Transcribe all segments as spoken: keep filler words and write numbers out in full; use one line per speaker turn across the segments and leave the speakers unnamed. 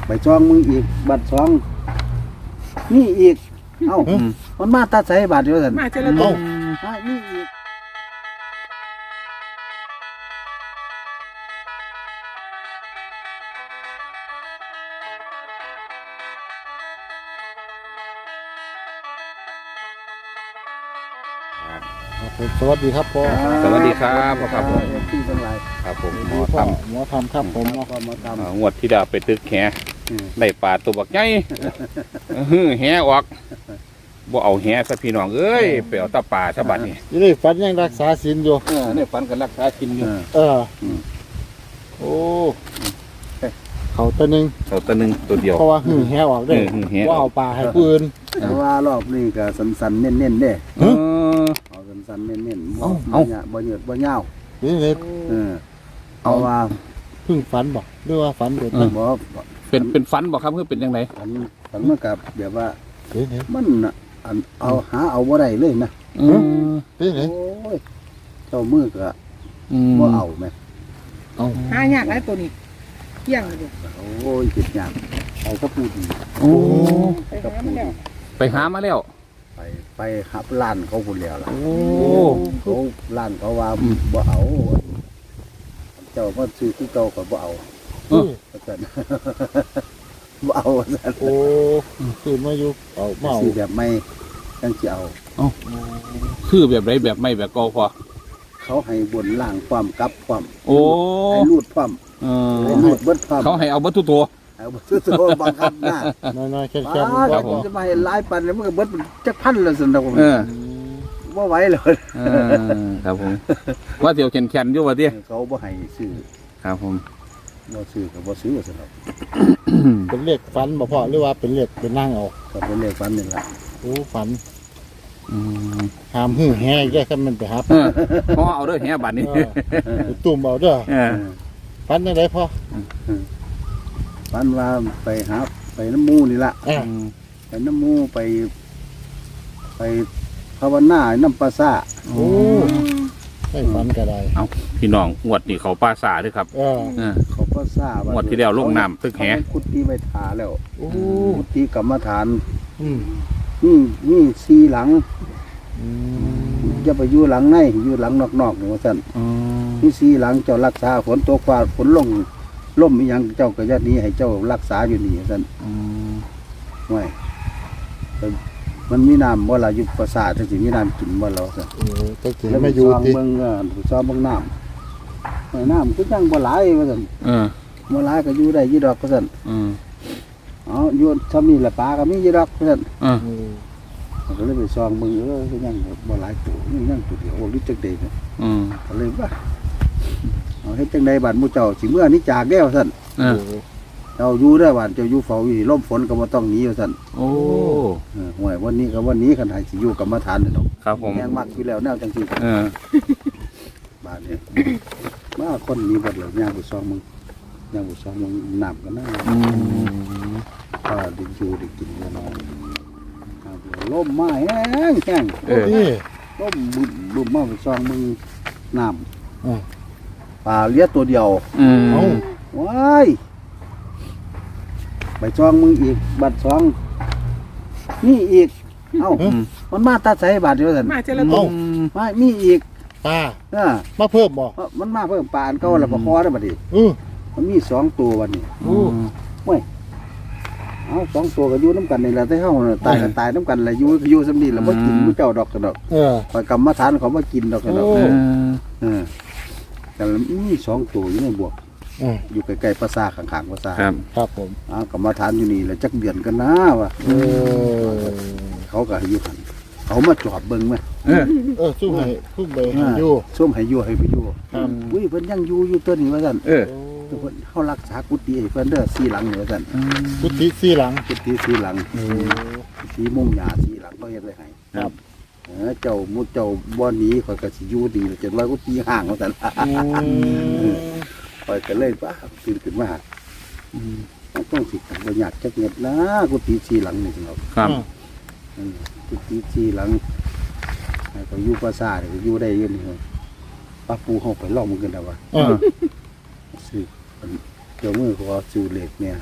ไปซองมึงอีกบัตรซองนี่อีกเอ้ามันมาตัดใส่บัตรเดียวกัน
มาเจริญตุง
มานี่อีก
สวัสดีครับพ่อ
สวัสดีครับพ่อครับผม
ที่ทั้งหลาย
ครับผมห
ห
ม
ม
อ
อ
ท
ทำหมอทำครับผม
พ่อมาท
ำอ่างวดที่ดาวไปตึกแห
ำ
ได้ปลาตัวบักใหญ่ฮือแหออกบ่เอาแหซะพี่น้องเอ้ยไปเอาตาปลาซะบัดนี้
ยี่นี่ฝันยังรักษาศีลอยู่
เออเนี่ยฝันกันรักษากินอยู่
เออโอ้เขาตัวหนึ่ง
เอาตัวหนึงตัวเดียว
เพราะว่าหื้อแหออกเด้
เออหื้อแหออก
ว่าเอาปลาให้ผู้อื่น
แต่ว่ารอบนี้ก็สันสันๆเน้นเน้นๆเด้
เออ
เอาสันสันๆเน้นเน้นๆ
เอ้า
บ่
เอ้า
หยาบ่เหยือดบ่ยาว
นี่เลย
เออเอาว่า
เพิ่งฝันบอกหรือว่าฝันเด็ด
บ่
นะ
บ่
เป็นเป็นฝันบ่ครับคือเป็นจังได
ฝันฝันมากับแบบว่า
เฮ้ยเฮ้ย
มันน่ะอันเอาหาเอาบ่ได้เลยนะ
อืม
เฮ้ยเฮ้ย
โอ้ยเจ้ามือก็
อืม
บ่เอาแม่
เอา
หายากไรตัวนี้เที่ยงเลยดู
โอ้ยจิตยากเอาก็พูดดี
โอ้
ไปหามาแล้ว
ไปหามาแล้ว
ไปไปหับร้านเขาพุ่นแล้วล่ะ
โอ้
เขาร้านเขาว่าบ่เอา เจ้ามาซื้อที่เก่าก็บ่เอา
เฮ้ย
ว่าซั่น บ่เอาว่าซั่น
โอ้คือมาอยู่เอาเมา
ซื้อแบบไม่จังสิเอา
คือแบบไรแบบไม่แบบเก่าพอ
เขาให้บนล่างความกลับความ
โอ้
ให้รูดความ
เออ
ให้รูดเบิดความ
เขาให้เอาวัตถุตัว
เอาบ่ซื้อตัวบังคับหน้า
น้อยๆแค่
ป้า
แค่
ครับผม
จะมาให้หลายปันแล้วมันก็เบิดจักพันแล้วซั่นดอก
เออ
บ่ไหวเลย
เออครับผมว่าเดี๋ยวแข็งแข็งอยู่ว่าเดีย
เขาบ่ให้ซื้อ
ครับผม
บ่ซื้อก็บ่ซื้อซั่นดอก
เป็นเลขฝันบ่พ่อหรือว่าเป็นเลขเป็นนั่งเอา
ก็เป็นเลขฝันนี่ล่ะ
โอ้ฝัน
อืม
หามหื้อแหแยกกันมันไปหา
เออพ่อเอาเด้วยแหบัดนี้
เออไปตุ่มเอาเด้อ
เออ
ฝันยังไงพ่อ
ฝันว่าไปหาไปน้ำหมู่นี่ล่ะ
อ่า
ไปน้ำหมูไป ไปภาวนาน้ำปลาซ่า
โอ้ไม่ฝันก็ได้
เอาพี่น้องงวดนี่เขาป้าสาด้วยครับ
เออ
เออ
เขาปลาซ่าง
วดที่แล้วลงน้ำตึกแห
เขากุฏิไปถาแล้ว
โอ้
กุฏิกรรมฐาน
อืม
นี่นี่สีหลัง
อืม
จะไปอยู่หลังในอยู่หลังนอกๆนี่ว่าสั่น
อืม
นี่สีหลังเจ้ารักษาฝนตกฟ้าฝนลงล่มอีหยังเจ้าก็ยัดนี้ให้เจ้ารักษาอยู่นี่ว่าสั่น
อืม
ไว้แต่มันมีน้ำบ่ล่ะอยู่ปราสาทจังสิมีน้ำกินบ่ล่ะว่าซั่น
โอ้ตั้งแต่
แล้ว
ไม่
ไป
อยู่
ซอง
ที่
เบิ่งเออไปซองเบิ่งน้ำไอ้น้ำก็ยังบ่หลายว่าซั่น
เออ
บ่หลายก็อยู่ได้อยู่ดอกว่าซั่น
อืม
อ๋ออยู่ซ้ำนี่แหละปลาก็มีอยู่ดอกว่าซั่น
เออ
อืม
ก็เลยไปซองเบิ่งเออก็ยังบ่หลายตัวยังยังตัวเดียวโอ้ลิจักเดเนี่ย
อืม
ก็เลยว่าเอาเฮ็ดจังไดบัดหมู่เจ้าสิเมื่อนี้จากแล้วซั่น
เออ
โอ้
เจ้าอยู่เด้อบัดเจ้าอยู่เฝ้าอยู่ลมฝนก็บ่ต้องหนีว่าซั่น
โอ้
เออห่วยวันนี้ก็วันนี้คันให้สิอยู่กรรมฐานนี่ดอก
ครับผม
ยังมักอยู่แล้วแนวจังซี่
เออ
บาดนี้มาคนนี้บัดแล้วย่างไปซองมึงย่างไปซองมึงน้ำกันนะ
อืม
ก็ได้อยู่ได้กินแน่นอนครับลมมาแห้งแห้ง
เออ
นี่
ลมบึมบึมมาไปซองมึงน้
อ่า
ำปลาเลี้ยตัวเดียว
อืม
เอา
ว้ายไปซองมึงอีกบัดซองนี่อีกเอ้า
อืม
มันมาตัดใส่บาดเดียวสัน
มาเจริญตุง
มามีอีก
ปลา
เออ
มาเพิ่มบ่
มันมาเพิ่มปลาอันเก่าแล้วปลาคอได้บัดนี้
อือ
มันมีสองตัวบัดนี้
โอ้
เอาสองตัวก็อยู่น้ำกันนี่แหละแต่เฮาน่ะตายกันตายน้ำกันแหละอยู่ก็อยู่สำนีแหล้วบ่กินผู้เจ้าดอกกันดอก
เออ
คอยกรรมฐานเขามากินดอกกันดอก
โอ้
เออ
เออแต่ละมีสองตัวอยู่ในบวก
อ่า
อยู่ใกล้ๆปราสาทข้างๆปราสาท
ครับ
ครับผม
อ้าวกรรมฐานอยู่นี่แหละจักเดือนกันนะว่ะ
เออ
เขาก็ให้อยู่หันเขามาจอดเบิ่งไหม
เออ
เออสู้ให้สู้ไปให้อยู่
ส้มให้อยู่ให้ไปอยู่
ครับ
อุ้ยเพิ่นยังอยู่อยู่ตัวนี้ว่าซั่น
เออ
โอ้
เพิ่นเฮารักษากุฏิให้เพิ่นเด้อสีหลังนี่ว่าซั่น
กุฏิสี่หลัง
กุฏิสีหลัง
โอ้
สีมุงหญ้าสีหลังเขาเฮ็ดไว้ให้
ครับ
เออเจ้ามุดเจ้าบ่หนีข่อยก็สิอยู่ดีจนว่ากุฏิห่างว่าซั่น
อืม
ข่อยก็เลยว่าตื่นขึ้นมามันต้องสิบ่อยากจักเม็ดนะกุฏิสีหลังนี่ครับ
ครับ
อืมกุฏิสีหลังให้เขาอยู่ปราสาทก็อยู่ได้อยู่นี่ครับป้าปูเฮาไปลองมันกันแล้วว่า
อ่า
ซื้อเจ้ามือเขาว่าซื้อเหล็กเนี่ย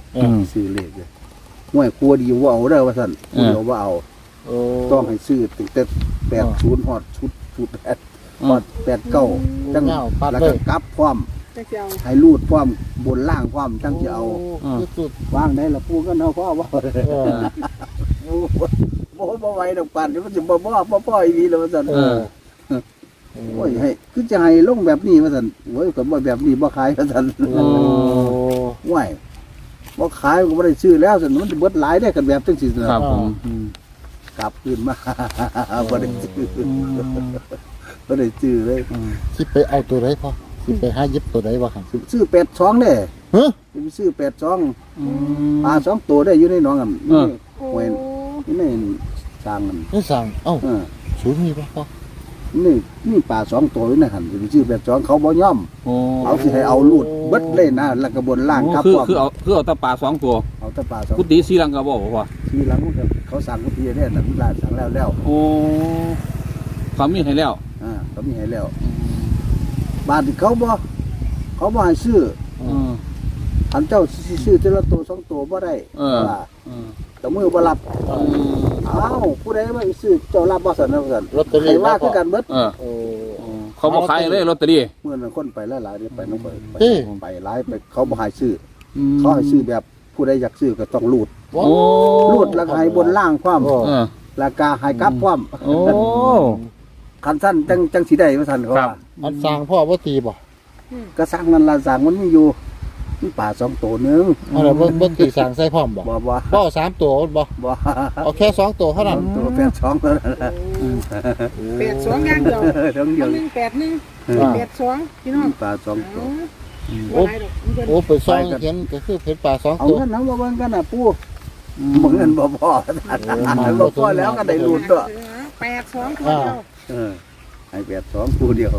อืม
ซื้อเลขเลยห่วยครัวดีว่าเอาเด้อว่าซั่นผู้เดียวว่าเอา
โอ้
ต้องให้ซื้อตั้งแต่แปดศูนย์ฮอดชุดชุดแปดฮอดแปดเก้าจัง
เงาปัด
แล้ว
เล
ก็
ย
กลับพร้อม
จะเจ้า
ให้รูดพร้อมบนล่างพร้อมจังจะเอา
คือสุด
วางได้ละปูก็เนาะพ่อว่า
เออ
โอ้บ่บ่ไหวดอกปานนี่มันสิบ่บ่บ่พ่ออีหลีแล้วว่าซั่น
เออ
โอ้ยให้คือจะให้ลงแบบนี้ว่าซั่นโอ้ยก็บ่แบบนี้บ่ขายว่าซั่น
โอ้
ห่วยบ่ขายก็บ่ได้ซื้อแล้วซั่นมันสิเบิดหลายได้กันแบบจังซี่นะครับ
ผม
อืมกลับคืนมา บ่ได้ซื้อบ่ได้ซื้อเลย
สิไปเอาตัวไหนพ่อสิไปหาหยิบตัวไหนวะครับ
ซื้อแปดสองเด้
ฮะ
สิไปซื้อแปดสองปลาสองตัวได้อยู่ในหนองกัน
เออ
โอ้
ห่วยนี่ในสร้างกัน
นี่สั่งเอ้า
เออ
ศูนย์มีป่ะพ่อ
นี่นี่ปลาสองตัวอยู่ในหันสิไปซื้อแปดสองเขาบ่ยอม
โอ้
เขาสิให้เอาลูดเบิดเลยนะแล้วก็บนล่างครับ
คือ
พร้อม
คือเอาคือเอาแตะปลาสองตัว
เอาแต่ปลาสอง
กุฏิสีลังก็บอกว่า
ทีหลังมันก็เขาสั่งกุฏิได้นั่นร้านสั่งแล้วแล้ว
โอ้ความมีให้แล้ว
อ่าเขามีให้แล้วบาทที่เขาบ่เขาบ่ให้ซื้อ
เออ
อันเจ้าสิซื้อแต่ละตัวสองตัวบ่ได้
เออ
ว่า
เออ
แต่มือบ่รับอ้าวผู้ใดมาซื้อเจ้ารับบ่ซั่นนะซั่น
ลอตเตอรี่
ใครว่าคือกันเบิด
เออ
โอ้
เขาบอกขายเลยลอตเตอรี่
เมื่อนั้นคนไปหลายๆนี่ไปนำไปไป
เอ้ย
ไปหลายไปเขาบ่ให้ซื้อเขาให้ซื้อแบบผู้ใดอยากซื้อก็ต้องรูด
โอ้
โอ้
รูดแล้วก็ให้บนล่างความ
โอ้
เออ
แล้วก็ให้กลับความ
โอ้
คันสั้นจังจังสีได้ว่าสั้นเขา
ครับ
ว่า
อันสั่งพ่อว่าตีบ่
ก็สร้างนั่นละสร้างมันมีอยู่มีป่าสองตัวหนึง
เอาล่ะบ่บ่ตีสั่งใส่พร้อมบ่
บ่บ่
บ่เอาสามตัวบ่
บ่
เอาแค่สองตัวเท่านั้น
ตัวแปดสองเท่านั้นล่ะ
แปดสองอย่างเดียว
ทั้งเดียว
หนึ่งแปดหนึ่ง
อ่า
แปดสองพี่น้อง
มีป่าสองตัว
เอาบ่หลายดอกมันเพิ่น
โอ้ไปซ่องเห็นก็คือเห็นปลาสอง
เอา
ตัว
เงินน้ำมาเบิ่งกันน่ะปู่บ่เงินบ่พอ
มัน
บ่พอแล้วก็ได้ลุ้นด้วย
แปดสองตัวเดียว
เออให้แปดสองคู่เดียว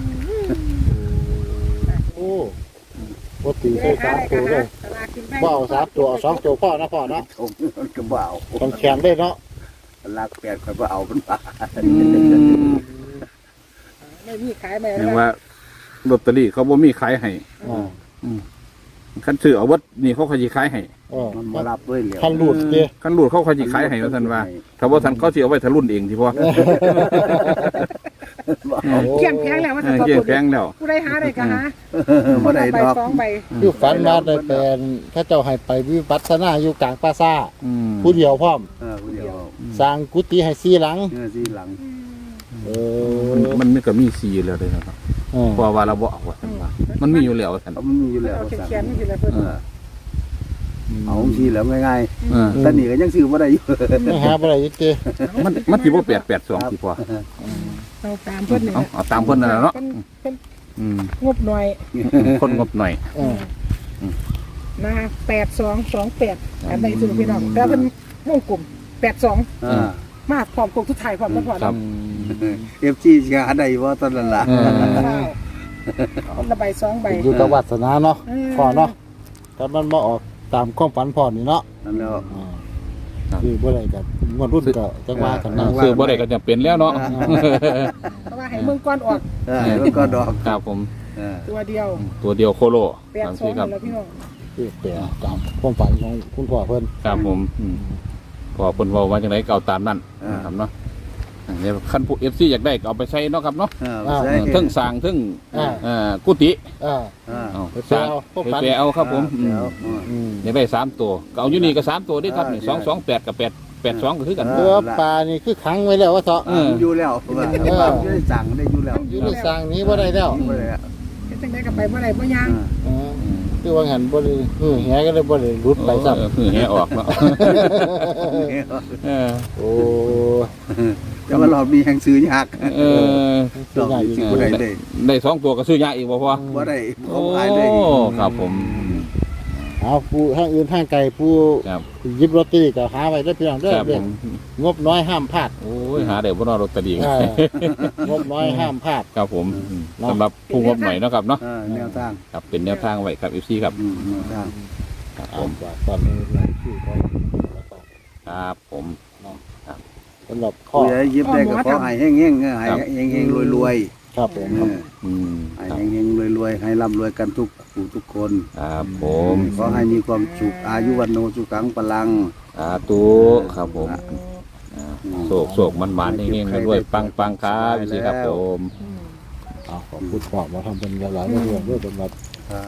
โอ้บ่ตีใส่สามตัวเลย
ตลาดกินแพง
บ่เอาสามตัวเอาสองตัวพ่อนะพ่อเนาะ
ถมมันก็บ่เอา
ต้องแข็งเลยเนาะ
ลากแปดค่อยบ่เอามันป่า
ไม่มีขายไม่
แปลว่าลอตเตอรี่เขาบ่มีขายให้
อ่า
คันซื้อเอาวัดนี่เขาขายสิขายให้
เออ
มันบ่รับด้วยแล้ว
คันหลุดเด้
คันรูดเขาขายสิขายให้ว่าซั่นว่าถ้าบ่ทันเขาสิเอาไว้ทะลุนเองสิพ่อ
บ่เอา
เกี่ยงแพงแล้วว่า
เอ
จะ
อ
ตัว
เกี่ยง
ตัว
แพงแล้ว
ผู้ใดหาได้ก็หา
บ่ได้
ใบ
ดอก
สองใบ
คือฝันมาได้เป็นถ้าเจ้าให้ไปวิปัสสนาอยู่กลางป่าซ่า
อืม
ผู้เดียวพร้อม
เออผู้เดียว
สร้างกุฏิให้สี่หลัง
เออสีหลัง
เอ
มัน
อ
มันมีก็มีสีแล้วเด้อครับ
เออ
เพราะว่าเราบ่เอาว่าซั่นว่ามันมีอยู่แล้วว่าซั่น
เอามันมีอยู่แล้ว
เอา
สั่ง
แขนๆนี่สิละเพิ่น
เออเอาทีแล้วง่าย
เออ
ๆแต่นี่ก็ยังซื้อบ่ได้อยู่
ไม่หาอะไรยึดเจ
มันมันสิบ่แปดแปดสองสิพ่อ
เอาตามเพิ่นนี่
เอา
นะ
เอาตามเพิ่นนั่นแหละเนาะ
เป็นเป็น
อืม
งบหน่อย
คนงบหน่อย
เออ
นะแปดสองสองแปดอันไหนสุดพี่น้องแต่เป็นวงกลุ่มแปดสอง
อ่า
มาพร้อมกลุ่มทุกถ่ายพร้อมตลอด
ครับ
เอฟซีสิหาได้บ่ตอนนั้นล่ะ
เออ
คนละใบสองใบ
อยู่กับวัสนาเนาะ
เออ
พ่อเนาะแต่มันมาออกตามความฝันพ่อนี่เนาะ
นั่นแล้ว
อ่าคือบ่ได้กันงวดรุ่นก็จังว่ากันนะ
ซื้อบ่ได้ก็จะเป็นแล้วเนาะ
เพราะว่าให้เมืองก้อนออก
เออแล้วก็ดอก
ครับผม
เออ
ตัวเดียว
ตัวเดียวโคโล
แปด
สาม
สอง
สี่ครับ
แล้วพี่น้อง
คือแปลตามความฝันของคุณพ่อเพิ่น
ครับผมอืมพอเพิ่นเว้าว่าจังไดก็เอาตามนั้นนะครับเนาะอันนี้คันผู้ เอฟ ซี อยากได้ก็เอาไปใช้เนาะครับเนาะ
เออใช่
เออเทั้งสร้างเทั้ง
อ่า
เอ่อกุฏิ
อ่า
อ่า
เอา
ไป
สร้าง
เอาพวก
ไป
ฝัน
แปลเอาครับผมอืม
แล้ว
อืม
อยากได้สามตัวก็เอาอยู่นี่ก็สามตัวได้ครับนี่
ได้
สองสองแปดกับแปดแปดสองก็คือกัน
เอ
ตัวปลานี่คือขังไว้แล้วว่าเถาะ
เออ
อยู่แล้วว่าอยู่ได้สั่งได้อยู่แล้ว
อยู่ในสร้างนี้บ่ได้แล้ว
บ่ได้อะ
เฮ็ดจังได๋ก็ไปบ่ได้บ่ย่าง
เออคือว่าหันบ่ได้คือแหก็เลยบ่ได้หลุดไปซ้ำ
เออคือแหออกเนาะเออ
โอ้
แต่ว่าเรามีแห่งซื้อยาก
เออ
ดอกนี่สิบ่ได้ได้
ได้สองตัวก็ซื้อยาอีกบ่พอ
บ่ได้
โอ้
เขาขายได้
ครับผม
เอาผู้ทางอื่นทางไกลผู้
ครับ
หยิบลอตเตอรี่ก็หาไว้เด้อพี่น้องเด้อ
ครับ
เด้
ผ
อ
ม
งบน้อยห้ามพลาด
โอ้ยหาได้บ่เนอลอตเตอรี่
เอองบน้อยห้ามพลาด
ครับผมสำหรับผู้งบหน่อยเนาะครับเนาะ
เออแนวทาง
ครับเป็นแนวทางไว้ครับ เอฟ ซี ครับ
อืมแนวทาง
ครับผ
เอา
ม
ฝากตอนนี้รายชื่อของแล้วก็
ครับผม
สำหรับข้อ
ผู้ใหญ่ยิบได้ก็ขอให้แห้งๆเออให้แห้งๆรวย
ครับผม
เออ
อืม
ให้
ครับ
เฮงๆรวยๆให้ร่ำรวยกันทุกผู้ทุกคน
ครับผม
ขอให้มีความสุขอายุวันโนสุขังพลัง
สาธุครับผมโศกโศกมันมันๆเฮงๆรวยๆปังๆครับพี่ครับผม
อืม
เอาขอบคุณพ่อมาทำเป็นหลายๆเรื่องด้วยเป็นแบบ